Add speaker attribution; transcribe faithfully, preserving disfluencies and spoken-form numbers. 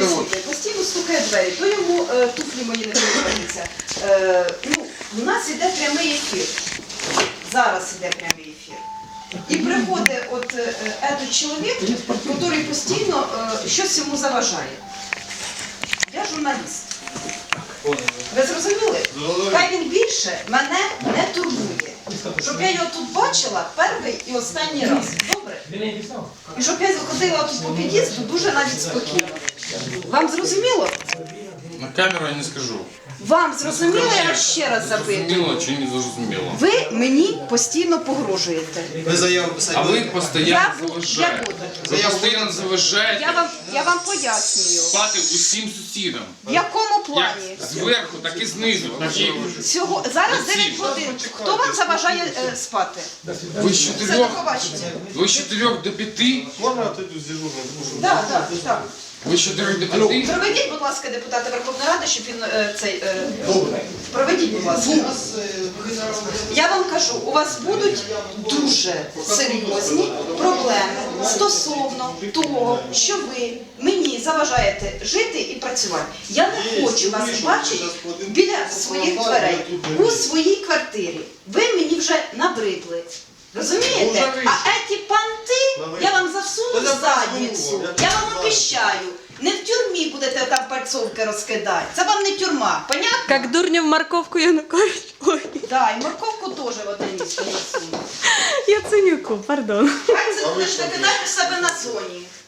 Speaker 1: присутній, постійно стукає в двері, то йому е, туфлі мої не подобаються. Е, ну, у нас іде прямий ефір. Зараз іде прямий ефір. І приходить от е, этот чоловік, який постійно е, щось йому заважає. Я журналіст. Ви зрозуміли? Хай він більше мене не турбує. Щоб я його тут бачила перший і останній раз. Добре? І щоб я ходила тут по під'їзду дуже навіть спокійно. Вам зрозуміло?
Speaker 2: На камеру я не скажу.
Speaker 1: Вам зрозуміло, я вас ще раз запитую.
Speaker 2: Зрозуміло чи не зрозуміло?
Speaker 1: Ви мені постійно погрожуєте.
Speaker 3: Ви заяву писати.
Speaker 2: А ви
Speaker 1: Я
Speaker 2: постійно
Speaker 1: буду, я
Speaker 2: заважаєте.
Speaker 1: буду.
Speaker 2: Ви постійно заважаєте
Speaker 1: Я вам, я вам пояснюю.
Speaker 2: спати усім сусідам.
Speaker 1: В якому
Speaker 2: Як
Speaker 1: плані?
Speaker 2: зверху, так і знизу. Так і
Speaker 1: Цього, зараз дев'ять годин. Хто вам заважає е, спати?
Speaker 2: ви з
Speaker 1: Все, до
Speaker 2: чотирьох,
Speaker 1: побачення.
Speaker 2: ви з чотирьох до п'яти,
Speaker 3: Можна я тут з дежурним?
Speaker 1: Так, так, так.
Speaker 2: ви з чотирьох до п'яти.
Speaker 1: Проведіть, будь ласка, депутата Верховної Ради, щоб він е, цей... Е, проведіть, будь ласка. Я вам кажу, у вас будуть дуже серйозні проблеми стосовно того, що ви мені заважаєте жити і працювати. Я не хочу вас бачити біля своїх дверей, у своїй квартирі. Ви мені вже набридли. Розумієте? А еті панти я вам засуну в задницю. Я вам обіщаю. Не в тюрмі будете там пальцовки розкидати. Це вам не тюрма. Понятно?
Speaker 4: Как дурня в морковку Янукович. Ой,
Speaker 1: Так, і морковку теж в одне місце засуну.
Speaker 4: Яценюку, пардон.
Speaker 1: Хай це будеш викидати в себе на зоні.